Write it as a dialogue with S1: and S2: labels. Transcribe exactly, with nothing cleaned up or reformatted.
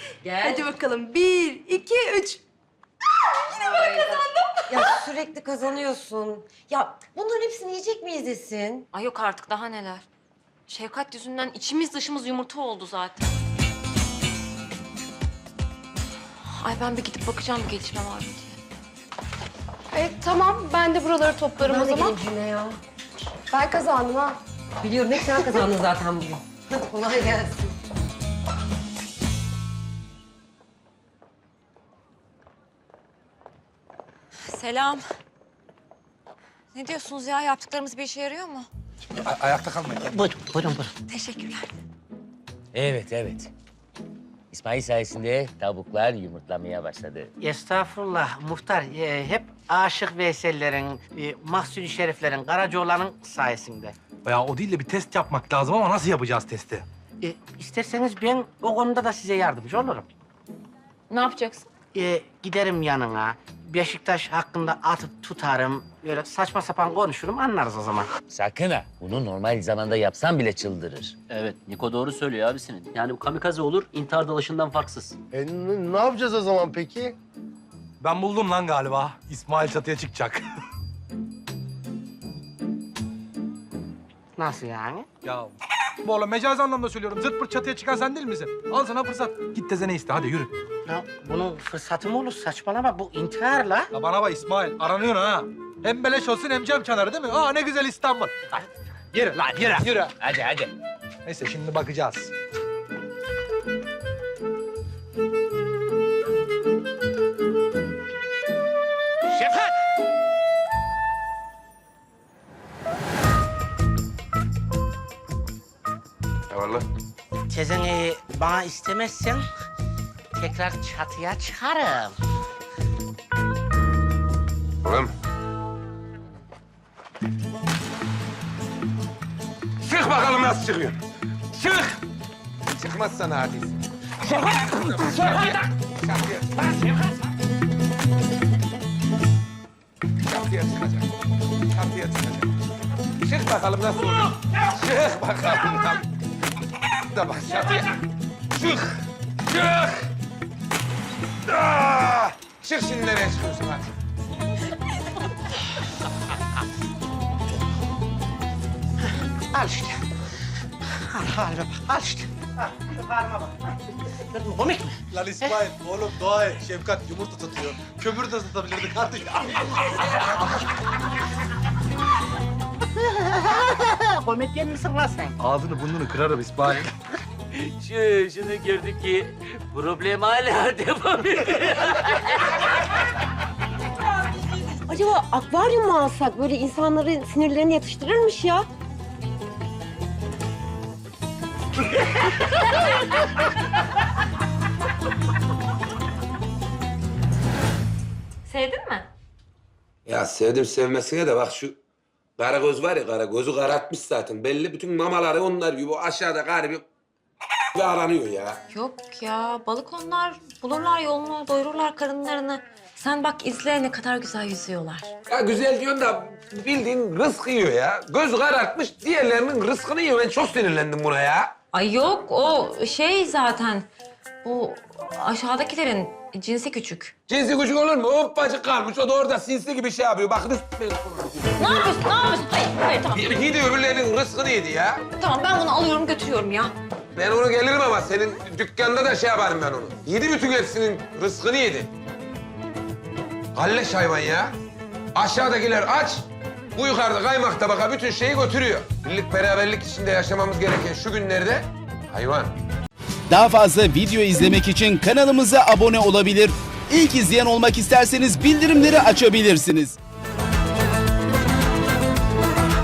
S1: Gel.
S2: Hadi bakalım. Bir, iki, üç. Aa, yine ben kazandım.
S1: Ya sürekli kazanıyorsun. Ya bunların hepsini yiyecek miyiz Esin?
S3: Ay yok artık daha neler. Şefkat yüzünden içimiz dışımız yumurta oldu zaten. Ay ben bir gidip bakacağım bir gelişme var mı diye.
S2: E, tamam, ben de buraları toplarım
S1: Ben
S2: o
S1: de
S2: zaman.
S1: geleyim Cemile ya.
S2: Ben kazandım ha.
S1: Biliyorum hep sen kazandın zaten bugün. Hadi kolay gelsin.
S3: Selam. Ne diyorsunuz ya? Yaptıklarımız bir işe yarıyor mu?
S4: A- ayakta kalmayın.
S5: Buyurun, buyurun, buyurun.
S3: Teşekkürler.
S5: Evet, evet. İsmail sayesinde tavuklar yumurtlamaya başladı.
S6: Estağfurullah muhtar. Ee, hep Aşık Veysel'lerin, e, Mahsuni Şerif'lerin, Karacaoğlan'ın sayesinde.
S4: Ya o değil de bir test yapmak lazım ama nasıl yapacağız testi?
S6: E, isterseniz ben o konuda da size yardımcı olurum.
S3: Ne yapacaksın?
S6: E, giderim yanına, Beşiktaş hakkında atıp tutarım. Böyle saçma sapan konuşurum, anlarız o zaman.
S5: Sakın ha. Bunu normal zamanda yapsan bile çıldırır.
S7: Evet, Niko doğru söylüyor abisinin. Yani bu kamikaze olur, intihar dalışından farksız.
S8: E, n- ne yapacağız o zaman peki?
S4: Ben buldum lan galiba. İsmail çatıya çıkacak.
S6: Nasıl yani?
S4: Ya bu oğlum mecazi anlamda söylüyorum. Zırt pırt çatıya çıkan sen değil misin? Al sana fırsat. Git tezene iste hadi yürü.
S6: Ya bunun fırsatı mı olur? Saçmalama, bu intihar la.
S4: Ya bana bak İsmail aranıyorsun ha. Hem beleş olsun hem cam kenarı değil mi? Aa ne güzel İstanbul. Hadi. Yürü lan yürü. Yürü.
S5: Hadi, hadi.
S4: Neyse şimdi bakacağız.
S6: Şefkat!
S8: Eyvallah.
S6: Tezeni bana istemezsen tekrar çatıya çıkarım.
S8: Oğlum. Çık bakalım nasıl çıkıyor. Çık. Çıkmazsan hadisin. Çatıya. Çatıya çıkacak. Çatıya çıkacak. Çık bakalım nasıl oluyor. Çık bakalım. Da bak çatıya. Çık. Çık. Ah! Çık şimdi nereye çıkıyorsun hadi.
S6: Al işte. Al halime bak, al işte. Al, şu halime bak. Gördün mü, komik mi?
S4: Lan İsmail oğlum dua et. Şefkat yumurta tutuyor. Kömür de satabilirdi kardeşim.
S6: Komedyen misin lan sen?
S4: Ağzını burnunu kırarım İsmail.
S7: Şu, şunu gördük ki problem hala devam ediyor.
S1: Acaba akvaryum mu alsak? Böyle insanların sinirlerini yatıştırırmış ya.
S3: Sevdin mi?
S8: Ya sevdim sevmesine de bak şu Karagöz var ya Karagöz'ü karartmış zaten. Belli bütün mamaları onlar gibi aşağıda garibi ve aranıyor ya.
S3: Yok ya balık onlar. Bulurlar yolunu, doyururlar karınlarını. Sen bak izle ne kadar güzel yüzüyorlar.
S8: Ya güzel diyorsun da bildiğin rızkı yiyor ya. Göz karartmış diğerlerinin rızkını yiyor. Ben çok sinirlendim buna ya.
S3: Ay yok o şey zaten. Bu aşağıdakilerin cinsi küçük.
S8: Cinsi küçük olur mu? Hoppacık kalmış. O da orada sinsi gibi şey yapıyor. Bak rızk...
S3: Ne yapıyorsun? Ne yapıyorsun? Hayır, hayır tamam.
S8: Yedi öbürlerinin rızkını yedi ya.
S3: Tamam ben bunu alıyorum götürüyorum ya.
S8: Ben onu gelirim ama senin dükkanda da şey yaparım ben onu. Yedi bütün hepsinin rızkını yedi. Kalleş hayvan ya. Aşağıdakiler aç. Bu yukarıda kaymak tabaka bütün şeyi götürüyor. Birlik beraberlik içinde yaşamamız gereken şu günlerde hayvan.
S9: Daha fazla video izlemek için kanalımıza abone olabilir. İlk izleyen olmak isterseniz bildirimleri açabilirsiniz.